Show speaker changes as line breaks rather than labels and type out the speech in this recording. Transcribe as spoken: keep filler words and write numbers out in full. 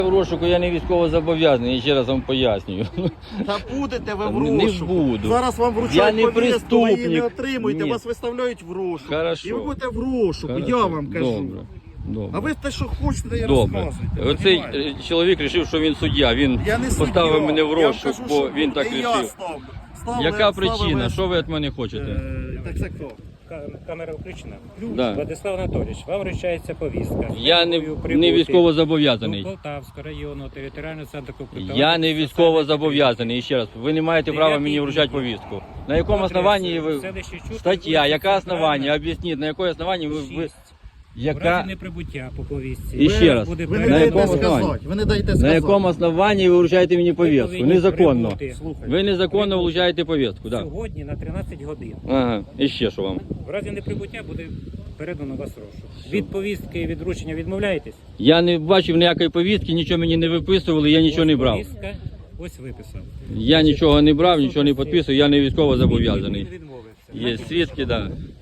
В розшуку я не військово зобов'язаний, я ще раз вам пояснюю.
Та будете ви в
Не
розшуку.
буду.
Зараз вам
Я
вручають
не
повістку, ви її не
преступник.
отримуєте,
Ні.
вас виставляють в розшук.
Хорошо.
І ви будете в розшуку,
Хорошо.
я вам кажу.
Добре. Добре.
А ви те, що хочете, і
Добре.
розказуєте.
Оцей
понімаєте?
е, чоловік вирішив, що він суддя. Він
Я не
поставив
суддя.
мене в
Я вам
розшук,
кажу,
бо
що
він так
не я
вирішив.
ставлю. Ставили-
Яка
ставили-
причина? Що ви від мене хочете?
Е, Так, так, так.
Камера включена.
Да.
Владислав Анатолійович, вам вручається повістка.
Я не,
Службою
не
прибути
військово
до
зобов'язаний.
Полтавського району, територіального центру комплектування.
Я не військово зобов'язаний. І ще раз, ви не маєте права мені
Дев'ятий
вручати
відділ.
повістку. На якому основанні ви...
Селище Чутки,
Стаття, яке
вулиця
основання?
Центральна,
Об'ясніть, на яке основання ви... ви...
шість. В
Яка...
разі неприбуття по повістці.
І ще раз,
буде
Ви не
На
даєте
якому
сказати.
основанні?
Ви не даєте
На
сказати.
якому основанні ви вручаєте мені повістку?
повинні
Незаконно.
прибути.
Слухайте.
Ви незаконно вручаєте повістку, так. Да.
Сьогодні на тринадцять годин.
Ага, і ще що вам?
В разі неприбуття буде передано вас розшук. Від повістки і від вручення відмовляєтесь?
Я не бачив ніякої повістки, нічого мені не виписували, я нічого
Ось
не брав.
Повістка, ось виписав.
Я нічого не брав, нічого не підписував, я не військово зобов'язаний.
Він відмовився.
Є свідки, так. Да.